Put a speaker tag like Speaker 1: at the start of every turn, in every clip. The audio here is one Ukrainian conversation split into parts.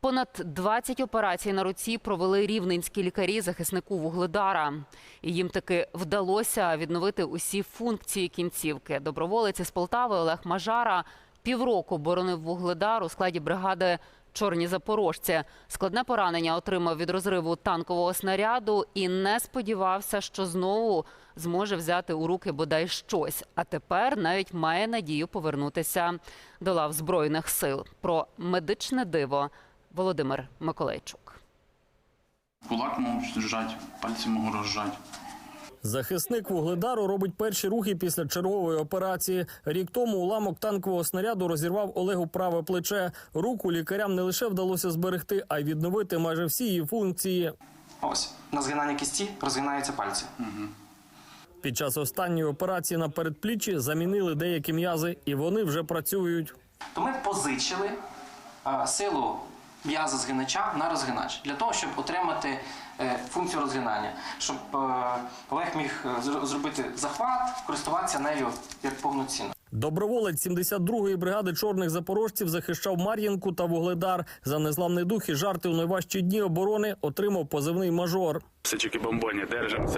Speaker 1: Понад 20 операцій на руці провели рівненські лікарі захиснику Вугледара. І їм таки вдалося відновити усі функції кінцівки. Доброволець із Полтави Олег Мажара півроку боронив Вугледар у складі бригади «Чорні запорожці». Складне поранення отримав від розриву танкового снаряду і не сподівався, що знову зможе взяти у руки бодай щось. А тепер навіть має надію повернутися до лав Збройних сил. Про медичне диво Володимир Миколайчук.
Speaker 2: Кулак можу зжати, пальці можу розжати.
Speaker 3: Захисник Вугледару робить перші рухи після чергової операції. Рік тому уламок танкового снаряду розірвав Олегу праве плече. Руку лікарям не лише вдалося зберегти, а й відновити майже всі її функції.
Speaker 4: Ось, на згинання кісті розгинаються пальці.
Speaker 3: Під час останньої операції на передпліччі замінили деякі м'язи, і вони вже працюють.
Speaker 4: То ми позичили силу м'яза згинача на розгинач, для того, щоб отримати функцію розгинання, щоб Олег міг зробити захват, користуватися нею як повноцінно.
Speaker 3: Доброволець 72-ї бригади чорних запорожців захищав Мар'їнку та Вугледар. За незламний дух і жарти у найважчі дні оборони отримав позивний «Мажор».
Speaker 5: Сичики-бомбоні, держимося.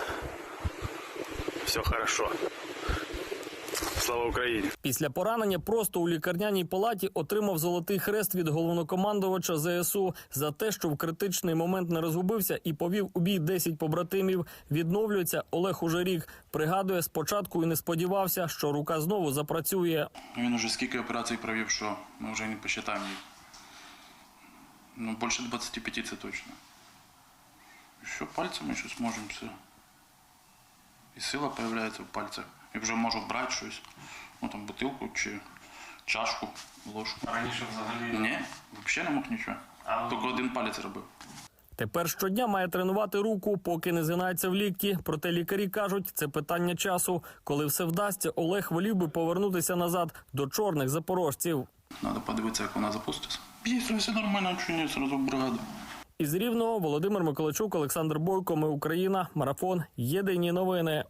Speaker 5: Все хорошо. Слава Україні!
Speaker 3: Після поранення просто у лікарняній палаті отримав золотий хрест від головнокомандувача ЗСУ за те, що в критичний момент не розгубився і повів у бій 10 побратимів. Відновлюється Олег уже рік. Пригадує, спочатку і не сподівався, що рука знову запрацює.
Speaker 2: Він уже скільки операцій провів, що ми вже не посчитаємо їх. Ну, більше 25 це точно. І що, пальцями щось можемо все. І сила з'являється в пальцях. І вже можу брати щось, ну там бутилку чи чашку, ложку.
Speaker 4: А раніше взагалі?
Speaker 2: Ні, взагалі не мог нічого. Тільки один палець робив.
Speaker 3: Тепер щодня має тренувати руку, поки не згинається в лікті. Проте лікарі кажуть, це питання часу. Коли все вдасться, Олег волів би повернутися назад до чорних запорожців.
Speaker 2: Треба подивитися, як вона запуститься. Якщо все нормально, чи ні, одразу в бригаду.
Speaker 3: Із Рівного Володимир Миколайчук, Олександр Бойко. Ми Україна. Марафон. Єдині новини.